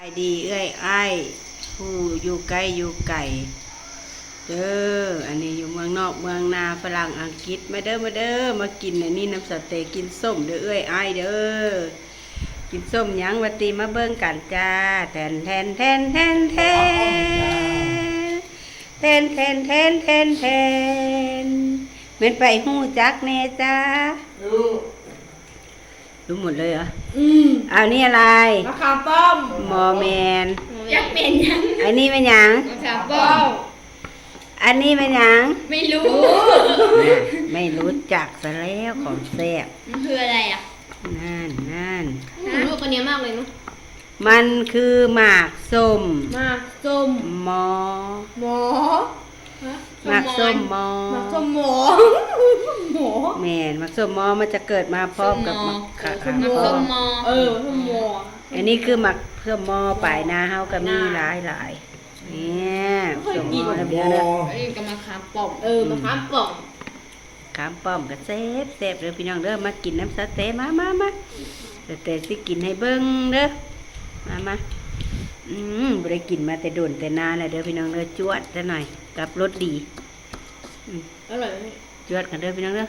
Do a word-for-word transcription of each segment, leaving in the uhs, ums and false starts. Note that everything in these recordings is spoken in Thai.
ดีเอ้ยไอ้ผู้อยู่ไกลอยู่ไกลเด้ออันนี้อยู่เมืองนอกเมืองนาฝรั่งอังกฤษมาเด้อมาเด้อมากินอันนี้น้ำสเต๊กกินส้มเด้อเอ้ยไอ้เด้อกินส้มยังวัตีมาเบิ่งกันจ้าแทนแทนแทนแทนแทนแทนแทนแทนแทนแทนเป็นไปหู้จักแน่จ้ารู้รู้หมดเลยเหรออืมเอานี่อะไรมะขามป้อมมอแมนอยากเป็นยังอันนี้เป็นยังมะขามป้อมอันนี้เป็นยังไม่รู้ไม่รู้จักซะแล้วของแซ่บมันคืออะไรอ่ะนั่นนั่นผมรู้กันเนี้ยมากเลยเนาะมันคือหมากส้มหมากส้มมอหมอหมากส้มมอหมากส้มหมอหมอแม่นหมากส้มมอมันจะเกิดมาพร้อมกับหมากขาหมากส้มมอเออส้มมออันนี้คือหมากส้มมอปลายนาเฮาก็มีหลายหลายเนี่ยส้มมอแล้วเดี๋ยวนะอันนี้ก็มะขามป้อมเออมะขามป้อมขามป้อมก็แซ่บแซ่บเด้อพี่น้องเด้อมากินน้ำสเต๊กมามามาสเต๊กสิกินให้เบิ่งเด้อมามาอืมบ่ได้กินมาแต่โดนแต่นานแล้วเด้อพี่น้องเด้อจวดซะหน่อยกับรสดีอร่อยไหมจวดกันเด้อพี่น้องเด้อ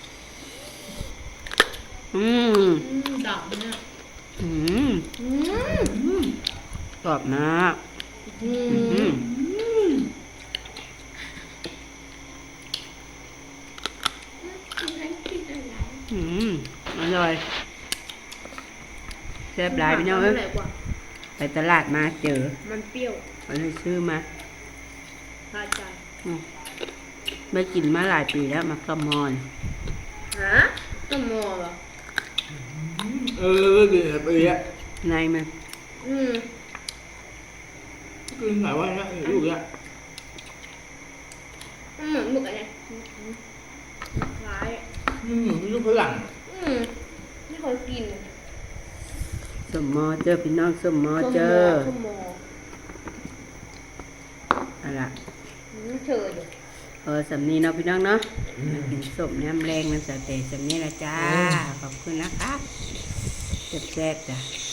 อืมดับเนี่ยอืมกรอบมากอืมอืมอร่อยแซ่บหลายพี่น้องเอ้ยไปตลาดมาเจอมันเปรี้ยวก็เลยซื้อมาพาใจไม่กินมาหลายปีแล้วมาขมอนฮะขมอนเหรอเออกินหลายปีอะในมันอืมกินหลายวันแล้วลูกแล้วมันเหมือนหมึกอะไรคล้ายอืมลูกฝรั่งอืมไม่เคยกินสมมอเจอพี่น้องสมมอเจอสมมออะไรไม่เจออยู่เออสำนีเนาะพี่น้องเนาะกินสมน้ำแรงมันสเต๊กสำนีละจ้าขอบคุณนะครับแซ่บๆจ้ะ